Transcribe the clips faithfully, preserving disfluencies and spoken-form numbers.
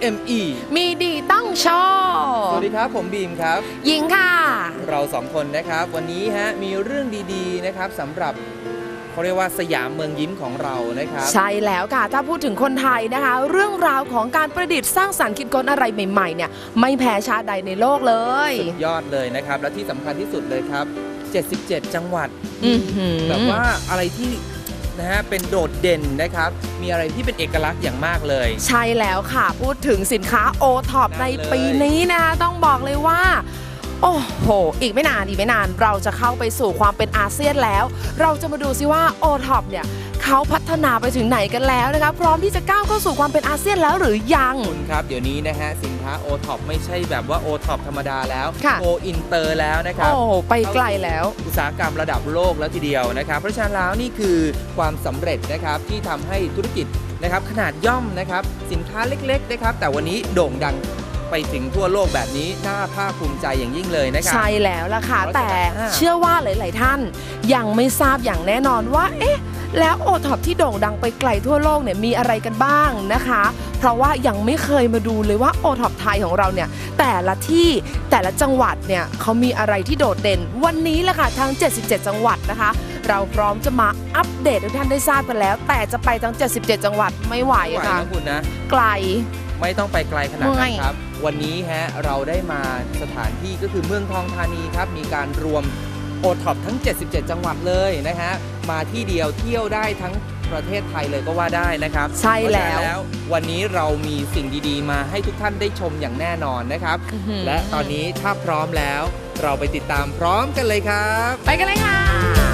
เอ็ม อีมีดีต้องโชว์สวัสดีครับผมบีมครับหญิงค่ะเราสองคนนะครับวันนี้ฮะมีเรื่องดีๆนะครับสำหรับเขาเรียกว่าสยามเมืองยิ้มของเรานะครับใช่แล้วค่ะถ้าพูดถึงคนไทยนะคะเรื่องราวของการประดิษฐ์สร้างสรรค์คิดค้นอะไรใหม่ๆเนี่ยไม่แพ้ชาติใดในโลกเลยสุดยอดเลยนะครับและที่สำคัญที่สุดเลยครับเจ็ดสิบเจ็ดจังหวัดแบบว่าอะไรที่นะฮะเป็นโดดเด่นนะครับมีอะไรที่เป็นเอกลักษณ์อย่างมากเลยใช่แล้วค่ะพูดถึงสินค้าโอท็อปในปีนี้นะคะต้องบอกเลยว่าโอ้โหอีกไม่นานอีกไม่นานเราจะเข้าไปสู่ความเป็นอาเซียนแล้วเราจะมาดูซิว่าโอท็อปเนี่ยเขาพัฒนาไปถึงไหนกันแล้วนะคะพร้อมที่จะก้าวเข้าสู่ความเป็นอาเซียนแล้วหรือยังคุณครับเดี๋ยวนี้นะฮะสินค้าโอท็อปไม่ใช่แบบว่าโอท็อปธรรมดาแล้วโออินเตอร์แล้วนะครับโอ้ไปไกลแล้วอุตสาหกรรมระดับโลกแล้วทีเดียวนะครับเพราะฉะนั้นแล้วนี่คือความสำเร็จนะครับที่ทำให้ธุรกิจนะครับขนาดย่อมนะครับสินค้าเล็กๆนะครับแต่วันนี้โด่งดังไปถึงทั่วโลกแบบนี้น่าภาคภูมิใจอย่างยิ่งเลยนะครับใช่แล้วล่ะค่ะแต่เชื่อว่าหลายๆท่านยังไม่ทราบอย่างแน่นอนว่าเอ๊ะแล้วโอท็อปที่โด่งดังไปไกลทั่วโลกเนี่ยมีอะไรกันบ้างนะคะเพราะว่ายังไม่เคยมาดูเลยว่าโอท็อปไทยของเราเนี่ยแต่ละที่แต่ละจังหวัดเนี่ยเขามีอะไรที่โดดเด่นวันนี้แหละค่ะทั้งเจ็ดสิบเจ็ดจังหวัดนะคะเราพร้อมจะมาอัปเดตให้ท่านได้ทราบกันแล้วแต่จะไปทั้งเจ็ดสิบเจ็ดจังหวัดไม่ไหวค่ะคุณนะไกลไม่ต้องไปไกลขนาดนั้นครับวันนี้ฮะเราได้มาสถานที่ก็คือเมืองทองธานีครับมีการรวมโอท็อปทั้งเจ็ดสิบเจ็ดจังหวัดเลยนะฮะมาที่เดียวเที่ยวได้ทั้งประเทศไทยเลยก็ว่าได้นะครับใช่แล้ววันนี้เรามีสิ่งดีๆมาให้ทุกท่านได้ชมอย่างแน่นอนนะครับและตอนนี้ถ้าพร้อมแล้วเราไปติดตามพร้อมกันเลยครับไปกันเลยค่ะ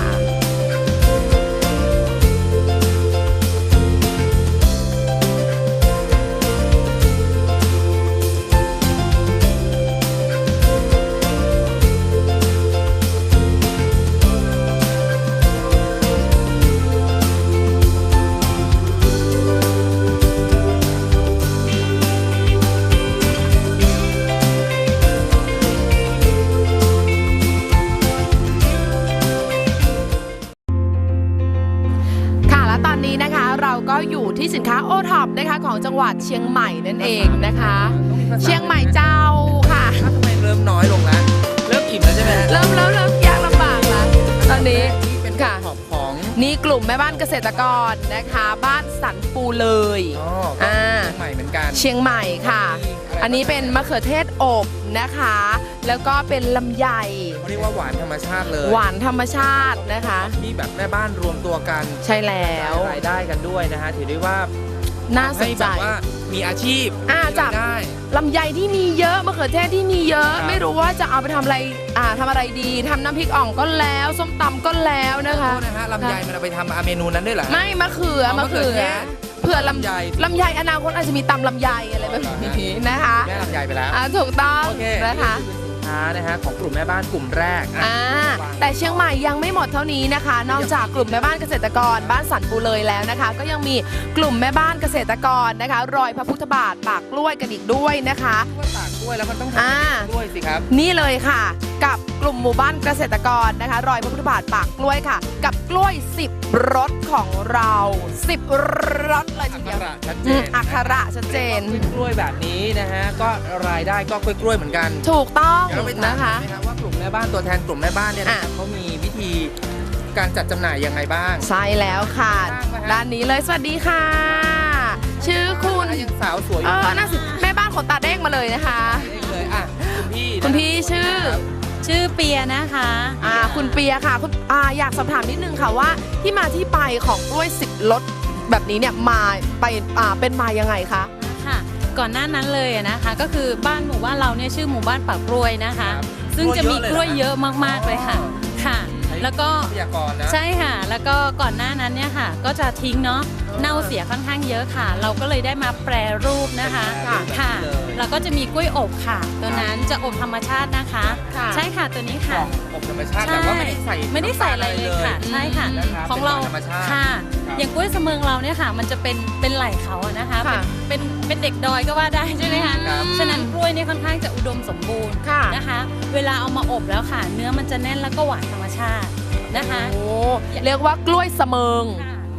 เราก็อยู่ที่สินค้าโอท็อปนะคะของจังหวัดเชียงใหม่นั่นเองนะคะเชียงใหม่เจ้าค่ะทำไมเริ่มน้อยลงแล้วเริ่มอิ่มแล้วใช่ไหมเริ่มแล้วเริ่มยากลำบากแล้วตอนนี้เป็นค่ะของนี่กลุ่มแม่บ้านเกษตรกรนะคะบ้านสันปูเลยอ๋อเชียงใหม่เหมือนกันเชียงใหม่ค่ะอันนี้เป็นมะเขือเทศอบนะคะแล้วก็เป็นลำไยเขาเรียกว่าหวานธรรมชาติเลยหวานธรรมชาตินะคะที่แบบแม่บ้านรวมตัวกันใช่แล้วรายได้กันด้วยนะฮะถือได้ว่าน่าสนใจว่ามีอาชีพอ่าจากลำไยที่มีเยอะมะเขือเทศที่มีเยอะไม่รู้ว่าจะเอาไปทำอะไรอ่าทำอะไรดีทำน้ำพริกอ่องก็แล้วส้มตำก็แล้วนะคะนะฮะลำไยมันเอาไปทำเมนูนั้นด้วยเหรอไม่มะเขือมะเขือเผื่อลำไยลำไยอนาคตอาจจะมีตำลำไยอะไรแบบนี้นะคะแม่ลำไยไปแล้วถูกต้องนะคะนะฮะของกลุ่มแม่บ้านกลุ่มแรกอ่าแต่เชียงใหม่ยังไม่หมดเท่านี้นะคะนอกจากกลุ่มแม่บ้านเกษตรกรบ้านสันปูเลยแล้วนะคะก็ยังมีกลุ่มแม่บ้านเกษตรกรนะคะรอยพระพุทธบาทปากกล้วยกันอีกด้วยนะคะปากกล้วยแล้วมันต้องทำกล้วยสิครับนี่เลยค่ะกับกลุ่มหมู่บ้านเกษตรกรนะคะรอยพระพุทธบาทปากกล้วยค่ะกับกล้วยสิบรสของเราสิบรสเลยทีเดียวอักขระชัดเจนกล้วยแบบนี้นะฮะก็รายได้ก็กล้วยๆเหมือนกันถูกต้องนะคะว่ากลุ่มแม่บ้านตัวแทนกลุ่มแม่บ้านเนี่ยเขามีวิธีการจัดจำหน่ายยังไงบ้างใช่แล้วค่ะด้านนี้เลยสวัสดีค่ะชื่อคุณยังสาวสวยเออน่าสิแม่บ้านขนตาเด้งมาเลยนะคะเลยอ่ะคุณพี่คุณพี่ชื่อชื่อเปียนะคะอ่าคุณเปียค่ะคุณอ่าอยากสอบถามนิดนึงค่ะว่าที่มาที่ไปของกล้วยสิบรสแบบนี้เนี่ยมาไปอ่าเป็นมายังไงคะค่ะก่อนหน้านั้นเลยนะคะก็คือบ้านหมู่บ้านเราเนี่ยชื่อหมู่บ้านปากกล้วยนะคะซึ่งจะมีกล้วยเยอะมากๆเลยค่ะค่ะแล้วก็ใช่ค่ะแล้วก็ก่อนหน้านั้นเนี่ยค่ะก็จะทิ้งเนาะเน่าเสียค่อนข้างเยอะค่ะเราก็เลยได้มาแปรรูปนะคะค่ะแล้วก็จะมีกล้วยอบค่ะตัวนั้นจะอบธรรมชาตินะคะใช่ค่ะตัวนี้ค่ะอบธรรมชาติแต่ว่าไม่ได้ใส่ไม่ได้ใส่อะไรเลยค่ะใช่ค่ะของเราค่ะอย่างกล้วยเสมิงเราเนี่ยค่ะมันจะเป็นเป็นไหล่เขาอะนะคะเป็นเป็นเด็กดอยก็ว่าได้ใช่ไหมคะฉะนั้นกล้วยเนี่ยค่อนข้างจะอุดมสมบูรณ์นะคะเวลาเอามาอบแล้วค่ะเนื้อมันจะแน่นแล้วก็หวานธรรมชาตินะคะโอ้เรียกว่ากล้วยเสมิง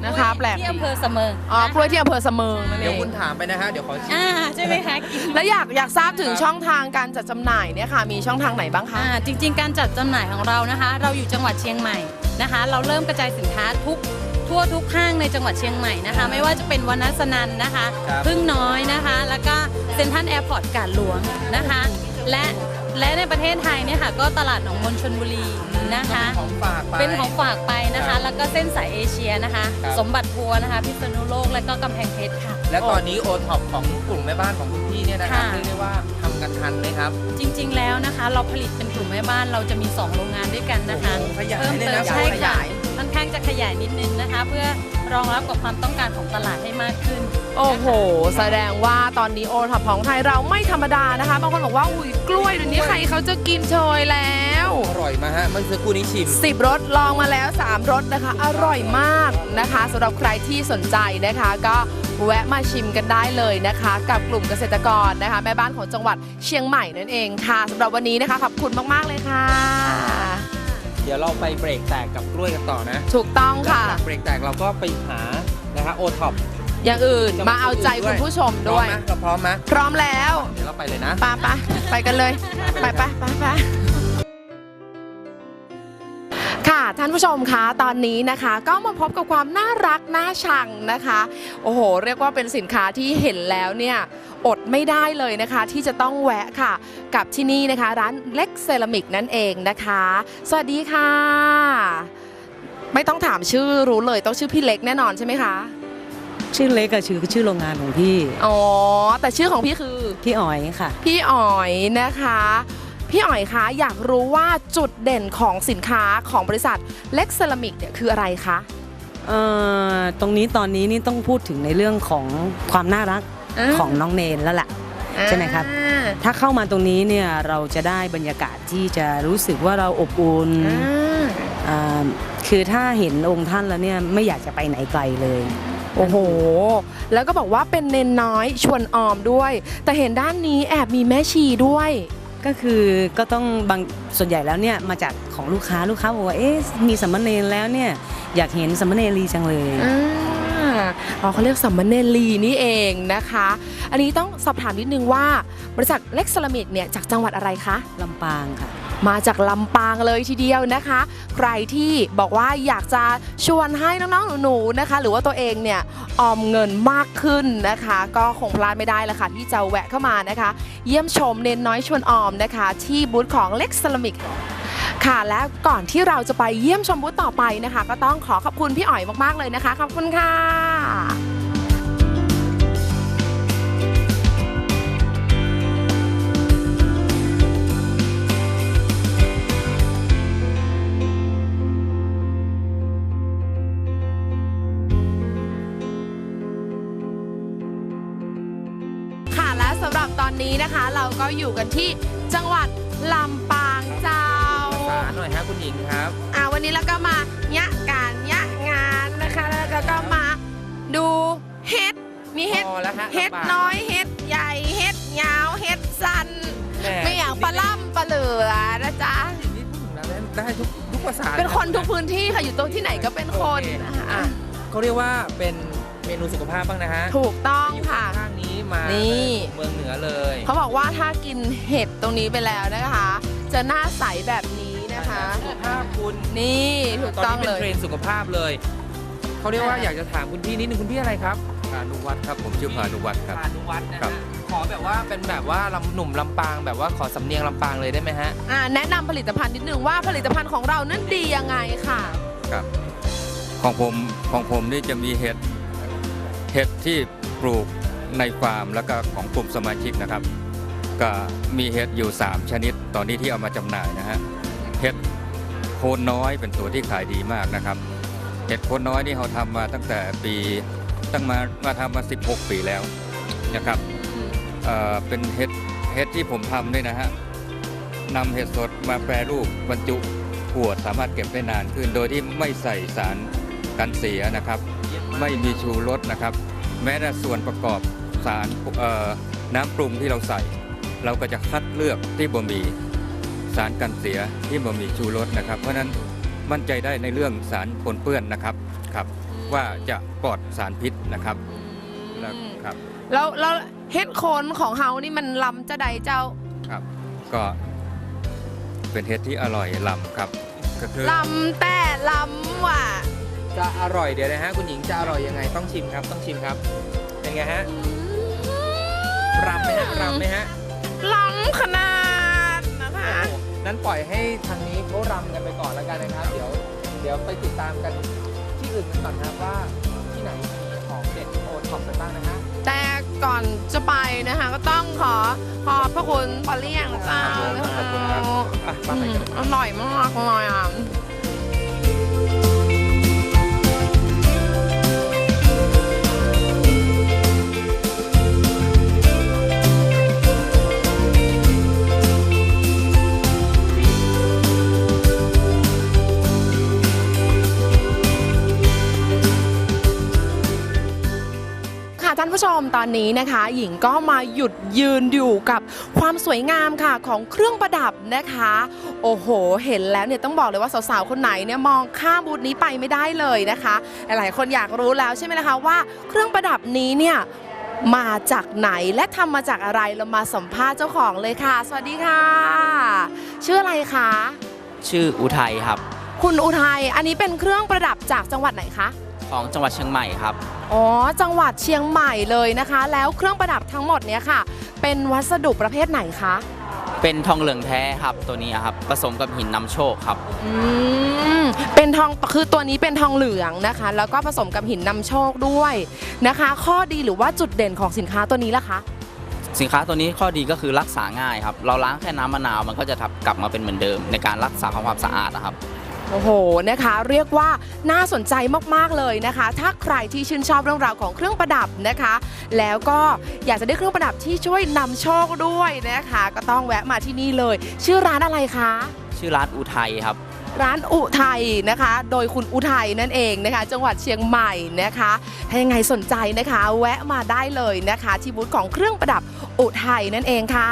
นะคะแปลกที่อำเภอเสมิงอ๋อกล้วยที่อำเภอเสมิงนั่นเอเดี๋ยวงคุณถามไปนะฮะเดี๋ยวขอชิมอ่าใช่ไหมคะกินแล้วอยากอยากทราบถึงครับช่องทางการจัดจำหน่ายเนี่ยค่ะมีช่องทางไหนบ้างคะอ่าจริง ๆ การจัดจำหน่ายของเรานะคะ เราอยู่จังหวัดเชียงใหม่นะคะ เราเริ่มกระจายสินค้าทุกทั่วทุกห้างในจังหวัดเชียงใหม่นะคะ ไม่ว่าจะเป็นวนัสนันนะคะครับพึ่งน้อยนะคะ แล้วก็เซ็นทรัลแอร์พอร์ตกาดหลวงนะคะ และและในประเทศไทยเนี่ยค่ะก็ตลาดหนองมนชลบุรีนะคะของฝากไปเป็นของฝากไปนะครัคะบแล้วก็เส้นสายเอเชียนะคะครับสมบัติทัวร์นะคะ พิษณุโลก และก็กำแพงเพชรค่ะและตอนนี้โอท็อปของกลุ่มแม่บ้านของคุณพี่เนี่ยนะครับค่ะเรียกได้ว่าทำกันทันไหมครับจริงๆ แล้วนะคะ เราผลิตเป็นกลุ่มแม่บ้านเราจะมี สอง โรงงานด้วยกันนะคะโอ้โหขยายเพิ่มเลยเตินะมใช่ขค่ะยายค่อนข้างจะขยายนิดนึงนะคะ เพื่อรองรับกับความต้องการของตลาดให้มากขึ้นโอ้โห แสดงว่าตอนนี้โอท็อปของไทยเราไม่ธรรมดานะคะ บางคนบอกว่าอุ้ยกล้วยเดี๋ยวนี้ใครเขาจะกินโชยแล้วอร่อยมาฮะเมื่อสักครู่นี้ชิมสิบรสลองมาแล้วสามรสนะคะ อร่อยมากนะคะสำหรับใครที่สนใจนะคะ ก็แวะมาชิมกันได้เลยนะคะ กับกลุ่มเกษตรกรนะคะ แม่บ้านของจังหวัดเชียงใหม่นั่นเองค่ะสำหรับวันนี้นะคะขอบคุณมากๆเลยค่ะเดี๋ยวเราไปเบรกแตกกับกล้วยกันต่อนะถูกต้องค่ะหลังจากเบรกแตกเราก็ไปหานะฮะโอท็อปอย่างอื่นมาเอาใจคุณผู้ชมพร้อด้มวยไหมเราพร้อมไหมพร้อมแล้วเดี๋ยวเราไปเลยนะไปไปไปกันเลยไปไปไปไปค่ะท่านผู้ชมคะตอนนี้นะคะ ก็มาพบกับความน่ารักน่าชังนะคะ โอ้โห เรียกว่าเป็นสินค้าที่เห็นแล้วเนี่ยอดไม่ได้เลยนะคะ ที่จะต้องแวะค่ะ กับที่นี่นะคะ ร้านเล็กเซรามิกนั่นเองนะคะ สวัสดีค่ะ ไม่ต้องถามชื่อรู้เลยต้องชื่อพี่เล็กแน่นอนใช่ไหมคะชื่อเล็กอะชื่อชื่อโรงงานของพี่อ๋อแต่ชื่อของพี่คือพี่อ๋อยค่ะพี่อ๋อยนะคะ พี่อ๋อยคะอยากรู้ว่าจุดเด่นของสินค้าของบริษัทเล็กเซรามิกเนี่ยคืออะไรคะเอ่อตรงนี้ตอนนี้นี่ต้องพูดถึงในเรื่องของความน่ารักอ่าของน้องเนนแล้วแหละ ใช่ไหมครับอ่าถ้าเข้ามาตรงนี้เนี่ยเราจะได้บรรยากาศที่จะรู้สึกว่าเราอบอุ่นอ่าอ่าคือถ้าเห็นองค์ท่านแล้วเนี่ยไม่อยากจะไปไหนไกลเลยโอ้โห แล้วก็บอกว่าเป็นเนนน้อยชวนออมด้วย แต่เห็นด้านนี้แอบมีแม่ชีด้วยก็คือก็ต้องบางส่วนใหญ่แล้วเนี่ยมาจากของลูกค้าลูกค้าบอกว่าเอ๊ะมีสัมมเนรแล้วเนี่ยอยากเห็นสัมมเนรีจังเลยอ่าอ๋อเขาเรียกสัมมเนลีนี่เองนะคะ อันนี้ต้องสอบถามนิดนึงว่าบริษัทเล็กเซรามิกเนี่ยจากจังหวัดอะไรคะลำปางค่ะมาจากลำปางเลยทีเดียวนะคะ ใครที่บอกว่าอยากจะชวนให้น้องๆหนูๆนะคะ หรือว่าตัวเองเนี่ยออมเงินมากขึ้นนะคะ ก็คงพลาดไม่ได้ละค่ะที่จะแวะเข้ามานะคะ เยี่ยมชมเนนน้อยชวนออมนะคะ ที่บูธของเล็กเซรามิกค่ะและก่อนที่เราจะไปเยี่ยมชมบูธต่อไปนะคะ ก็ต้องขอขอบคุณพี่อ๋อยมากๆเลยนะคะขอบคุณค่ะ ค่ะและสำหรับตอนนี้นะคะ เราก็อยู่กันที่จังหวัดลำปางเจ้าสาหน่อยฮะคุณหญิงครับอ่าวันนี้เราก็มายะการยะงานนะคะ แล้วก็มาดูเฮ็ดมีเฮ็ดพอแล้วฮะเฮ็ดลำบากน้อยเฮ็ดใหญ่เฮ็ดยาวเฮ็ดสั้นแหไม่อยากปลาล่ำปลาเหลือนะจ๊ะนี่พูดถึงแล้วได้ทุกทุกภาษาเป็นคนทุกพื้นที่ค่ะอยู่ตรงที่ไหนก็เป็นคนโอเคนะคะอ่ะเขาเรียกว่าเป็นเมนูสุขภาพบ้างนะฮะถูกต้องอยู่ค่ะข้างๆนี้มานี่เมืองเหนือเลยเขาบอกว่าถ้ากินเห็ดตรงนี้ไปแล้วนะคะ จะหน้าใสแบบนี้นะคะสุขภาพคุณนี่ถูกตอนต้องนี้เป็เลนยเทรนด์สุขภาพเลยเขาเรียกว่าอ่าอยากจะถามคุณพี่นิดนึงคุณพี่อะไรครับพานุวัฒน์ครับผมชื่อพานุวัฒน์ครับพานุวัฒน์นะครัฮะบขอแบบว่าเป็นแบบว่าลำหนุ่มลำปางแบบว่าขอสำเนียงลำปางเลยได้ไหมฮะอ่าแนะนำผลิตภัณฑ์นิดนึงว่าผลิตภัณฑ์ของเรานั้นดียังไงค่ะครับของผมของผมนี่จะมีเห็ดเห็ดที่ปลูกในฟาร์มแล้วก็ของกลุ่มสมาชิกนะครับ ก็มีเห็ดอยู่ สาม ชนิดตอนนี้ที่เอามาจำหน่ายนะฮะเห็ดโคนน้อยเป็นตัวที่ขายดีมากนะครับเห็ดโคนน้อยนี่เราทำมาตั้งแต่ปีตั้งมามาทำมาสิบหกปีแล้วนะครับเอ่อเป็นเห็ดเห็ดที่ผมทำด้วยนะฮะนำเห็ดสดมาแปรรูปบรรจุขวดสามารถเก็บได้นานขึ้น โดยที่ไม่ใส่สารกันเสียนะครับ ไม่มีชูรสนะครับ แม้แต่ส่วนประกอบสารเอ่อน้ำปรุงที่เราใส่ เราก็จะคัดเลือกที่บ่มีสารกันเสียที่บ่มีชูรสนะครับ เพราะฉะนั้นมั่นใจได้ในเรื่องสารปนเปื้อนนะครับครับว่าจะปลอดสารพิษนะครับแล้วครับแล้วแล้วเฮ็ดโคนของเฮานี่มันล้ำจะใดเจ้าครับ ก็เป็นเห็ดที่อร่อยล้ำครับก็คือล้ำแต่ล้ำว่ะจะอร่อยเดี๋ยวนะฮะคุณหญิงจะอร่อยยังไงต้องชิมครับต้องชิมครับเป็นไงฮะรำไหมฮะรำไหมฮะล้ำขนาดนะคะโอ้นั้นปล่อยให้ทางนี้เขารำกันไปก่อนแล้วกันนะครับ เดี๋ยวเดี๋ยวไปติดตามกันที่อื่นกันก่อนนะครับว่าที่ไหนมีของเด็ดโอท็อปกันบ้างนะฮะแต่ก่อนจะไปนะคะก็ต้องขอขอบพระคุณปอเลี่ยงเจ้าขอบคุณครับอ่ะมาไปกันอร่อยมากเลยอ่ะ ท่านผู้ชมตอนนี้นะคะหญิงก็มาหยุดยืนอยู่กับความสวยงามค่ะของเครื่องประดับนะคะ โอ้โหเห็นแล้วเนี่ยต้องบอกเลยว่าสาวๆคนไหนเนี่ยมองข้ามบูธนี้ไปไม่ได้เลยนะคะหลายคนอยากรู้แล้วใช่ไหมนะคะว่าเครื่องประดับนี้เนี่ยมาจากไหนและทำมาจากอะไรเรามาสัมภาษณ์เจ้าของเลยค่ะสวัสดีค่ะชื่ออะไรคะชื่ออุทัยครับคุณอุทัยอันนี้เป็นเครื่องประดับจากจังหวัดไหนคะของจังหวัดเชียงใหม่ครับอ๋อ จังหวัดเชียงใหม่เลยนะคะ แล้วเครื่องประดับทั้งหมดเนี้ยค่ะ เป็นวัสดุประเภทไหนคะเป็นทองเหลืองแท้ครับตัวนี้ครับผสมกับหินนำโชคครับอืม เป็นทอง คือตัวนี้เป็นทองเหลืองนะคะ แล้วก็ผสมกับหินนำโชคด้วยนะคะ ข้อดีหรือว่าจุดเด่นของสินค้าตัวนี้ล่ะคะสินค้าตัวนี้ข้อดีก็คือรักษาง่ายครับเราล้างแค่น้ำมะนาวมันก็จะกลับมาเป็นเหมือนเดิมในการรักษาความสะอาดนะครับโอ้โห นะคะ เรียกว่าน่าสนใจมากๆเลยนะคะ ถ้าใครที่ชื่นชอบเรื่องราวของเครื่องประดับนะคะ แล้วก็อยากจะได้เครื่องประดับที่ช่วยนำโชคด้วยนะคะ ก็ต้องแวะมาที่นี่เลย ชื่อร้านอะไรคะชื่อร้านอุทัยครับร้านอุทัยนะคะ โดยคุณอุทัยนั่นเองนะคะ จังหวัดเชียงใหม่นะคะ ถ้ายังไงสนใจนะคะ แวะมาได้เลยนะคะ ที่บูธของเครื่องประดับอุทัยนั่นเองค่ะ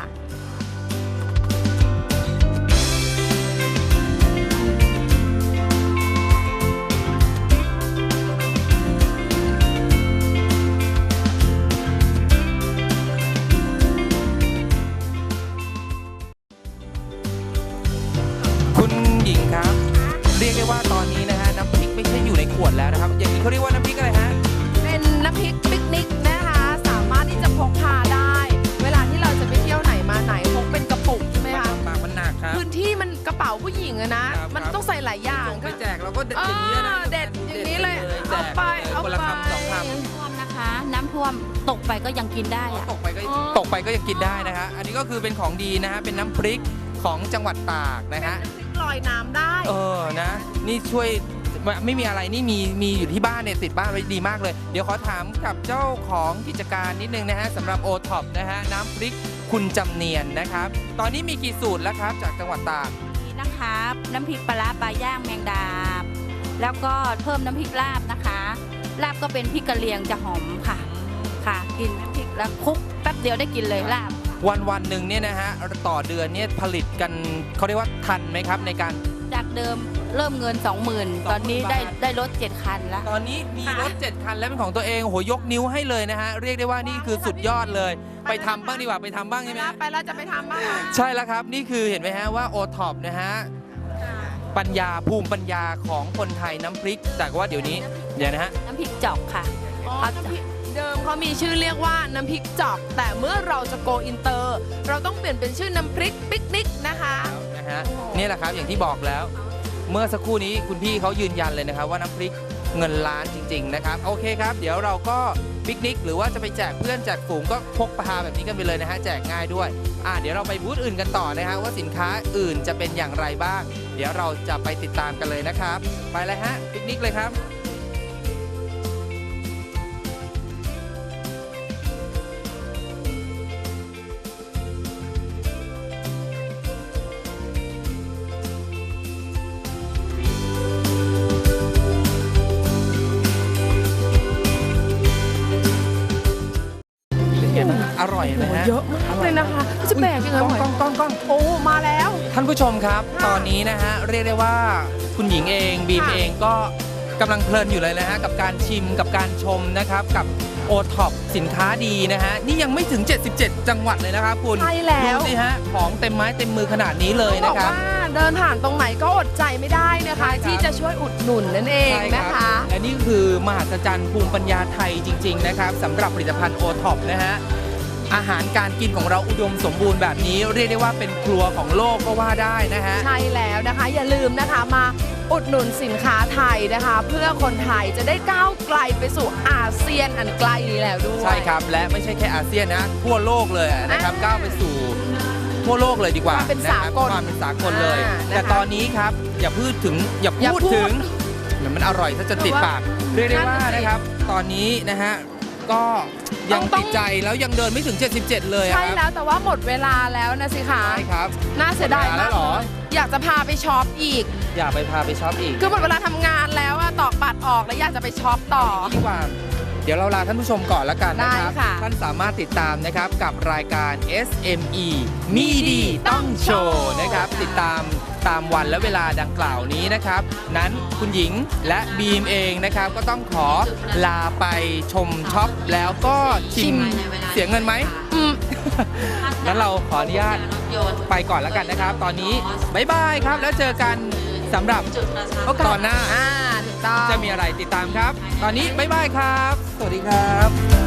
คุณหญิงครับ เรียกได้ว่าตอนนี้นะฮะน้ำพริกไม่ใช่อยู่ในขวดแล้วนะครับ อย่างนี้เขาเรียกว่าน้ำพริกอะไรฮะเป็นน้ำพริกปิกนิกนะคะ สามารถที่จะพกพาได้ เวลาที่เราจะไปเที่ยวไหนมาไหนพกเป็นกระปุกใช่ไหมคะปากมันหนักครับพื้นที่มันกระเป๋าผู้หญิงอะนะครับมันต้องใส่หลายอย่างไปก็แจกเราก็เด็ดอย่างนี้นะเออเด็ดอย่างนี้เลยแจเอากไปเอาคนละไปคำสองคำท่วมนะคะ น้ำท่วมตกไปก็ยังกินได้อะตกไปก็อ๋อตกไปก็ยังกินได้นะฮะอันนี้ก็คือเป็นของดีนะฮะเป็นน้ำพริกของจังหวัดตากนะฮะน้ำพริกลอยน้ำได้เออนะนี่ช่วยไม่ไม่มีอะไรนี่มีมีอยู่ที่บ้านเนี่ยติดบ้านไว้ดีมากเลย เดี๋ยวขอถามกับเจ้าของกิจการนิดนึงนะฮะสำหรับโอท็อปนะฮะน้ำพริกคุณจำเนียนนะครับตอนนี้มีกี่สูตรแล้วครับจากจังหวัดตากนี่นะคะน้ำพริกปลาร้าปลาย่างแมงดาบ แล้วก็เพิ่มน้ำพริกลาบนะคะลาบก็เป็นพริกกะเหรี่ยงจะหอมค่ะค่ะ กินน้ำพริกแล้วคลุกแป๊บเดียวได้กินเลยลาบวันวันหนึ่งเนี่ยนะฮะต่อเดือนเนี่ยผลิตกันเขาเรียกว่าทันไหมครับในการจากเดิมเริ่มเงิน สองหมื่น ตอนนี้ได้ได้รถเจ็ดคันแล้วตอนนี้มีรถเจ็ดคันแล้วเป็นของตัวเองโอ้โหยกนิ้วให้เลยนะฮะเรียกได้ว่านี่คือสุดยอดเลย ไปทำบ้างดีกว่าไปทำบ้างไปใช่ไหมแล้วไปแล้วจะไปทำบ้างไหมใช่แล้วครับนี่คือเห็นไหมฮะว่าโอท็อปนะฮะปัญญาภูมิปัญญาของคนไทยน้ำพริก แต่ว่าเดี๋ยวนี้เดี๋ยวนะฮะน้ำพริกจอกค่ะอ๋อน้ำพริกเดิมเขามีชื่อเรียกว่าน้ำพริกจอก แต่เมื่อเราจะโกอินเตอร์ เราต้องเปลี่ยนเป็นชื่อน้ำพริกปิกนิกนะคะนะฮะนี่แหละครับอย่างที่บอกแล้ว เมื่อสักครู่นี้คุณพี่เขายืนยันเลยนะครับว่าน้ำพริกเงินล้านจริง ๆ นะครับโอเคครับ เดี๋ยวเราก็ปิกนิกหรือว่าจะไปแจกเพื่อนแจกฝูงก็พกพาแบบนี้กันไปเลยนะฮะแจกง่ายด้วยอ่าเดี๋ยวเราไปบูธอื่นกันต่อนะฮะว่าสินค้าอื่นจะเป็นอย่างไรบ้าง เดี๋ยวเราจะไปติดตามกันเลยนะครับ ไปเลยฮะปิกนิกเลยครับ เป็นไงบ้างอร่อยไหมฮะเยอะมากเลยนะคะจะแบกยังไงกล้องไหวกล้องกล้องกล้องโอ้มาแล้วท่านผู้ชมครับ ตอนนี้นะฮะเรียกได้ว่าคุณหญิงเองบีมค่ะเองก็กำลังเพลินอยู่เลยนะฮะกับการชิมกับการชมนะครับกับโอท็อปสินค้าดีนะฮะนี่ยังไม่ถึง เจ็ดสิบเจ็ด จังหวัดเลยนะครับคุณใช่แล้วดูสิฮะของเต็มไม้เต็มมือขนาดนี้เลยต้นะองบคอกรับว่าเดินผ่านตรงไหนก็อดใจไม่ได้นะคะใช่ครับที่จะช่วยอุดหนุนนั่นเองใช่นะรัคะบและนี่คือมหัศจรรย์ภูมิปัญญาไทยจริง ๆ นะครับสำหรับผลิตภัณฑ์โอท็อปนะฮะอาหารการกินของเราอุดมสมบูรณ์แบบนี้เรียกได้ว่าเป็นครัวของโลกก็ว่าได้นะฮะใช่แล้วนะคะ อย่าลืมนะคะมาอุดหนุนสินค้าไทยนะคะ เพื่อคนไทยจะได้ก้าวไกลไปสู่อาเซียนอันไกลนี้แล้วด้วยใช่ครับและไม่ใช่แค่อาเซียนนะทั่วโลกเลยนะครับอ่าก้าวไปสู่ทั่วโลกเลยดีกว่าความเป็นนะครับสากลความเป็นสากลเลยอ่านะคะแต่ตอนนี้ครับอย่าพูดถึงอย่าอย่าพูดพูดถึงเหมือนมันอร่อยซะจนติดปากเรียกได้ว่านั่นน่ะสินะครับ ตอนนี้นะฮะก็ยังต้องติดใจแล้วยังเดินไม่ถึง เจ็ดสิบเจ็ด เลยอะใช่ครับแล้วแต่ว่าหมดเวลาแล้วนะสิคะใช่ครับน่าเสียดายหมดเวลาแล้มากวเหรออยากจะพาไปช็อปอีกอย่าไปพาไปช็อปอีกคือหมดเวลาทำงานแล้วอะตอกบัตรออกแล้วอยากจะไปช็อปต่อดีกว่าเดี๋ยวเราลาท่านผู้ชมก่อนละกันนะครับได้ค่ะท่านสามารถติดตามนะครับกับรายการ เอส เอ็ม อี มีดีต้องโชว์นะครับติดตามตามวันและเวลาดังกล่าวนี้นะครับ นั้นคุณหญิงและบีมเองนะครับ ก็ต้องขอลาไปชมช็อปแล้วก็ชิมเสียเงินไหมอืมงั้นเราขออนุญาตไปก่อนแล้วกันนะครับ ตอนนี้บ๊ายบายครับแล้วเจอกันสำหรับตอนหน้าอ่าถูกต้องจะมีอะไรติดตามครับ ตอนนี้บ๊ายบายครับ สวัสดีครับ